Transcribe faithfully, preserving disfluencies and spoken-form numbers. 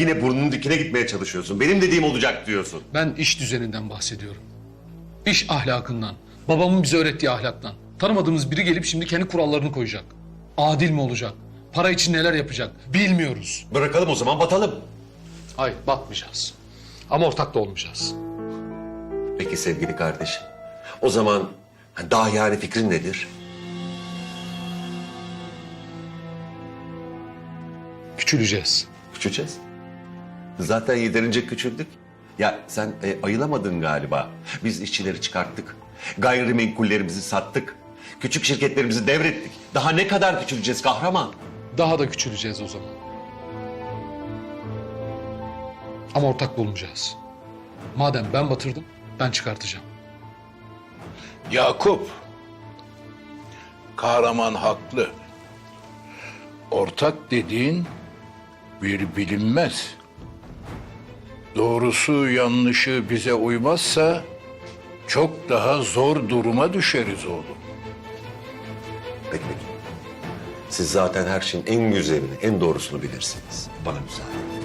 yine burnunun dikine gitmeye çalışıyorsun. Benim dediğim olacak diyorsun. Ben iş düzeninden bahsediyorum. İş ahlakından, babamın bize öğrettiği ahlaktan. Tanımadığımız biri gelip şimdi kendi kurallarını koyacak. Adil mi olacak? Para için neler yapacak? Bilmiyoruz. Bırakalım o zaman, batalım. Hayır, batmayacağız. Ama ortak da olmayacağız. Peki sevgili kardeşim. O zaman daha yani fikrin nedir? Küçüleceğiz. Küçüleceğiz. Zaten yeterince küçüldük. Ya sen e, ayılamadın galiba. Biz işçileri çıkarttık. Gayrimenkullerimizi sattık. Küçük şirketlerimizi devrettik. Daha ne kadar küçüleceğiz kahraman? Daha da küçüleceğiz o zaman. Ama ortak bulmayacağız. Madem ben batırdım, ben çıkartacağım. Yakup, kahraman haklı. Ortak dediğin bir bilinmez. Doğrusu yanlışı bize uymazsa çok daha zor duruma düşeriz oğlum. Peki peki. Siz zaten her şeyin en güzelini, en doğrusunu bilirsiniz. Bana müsaade.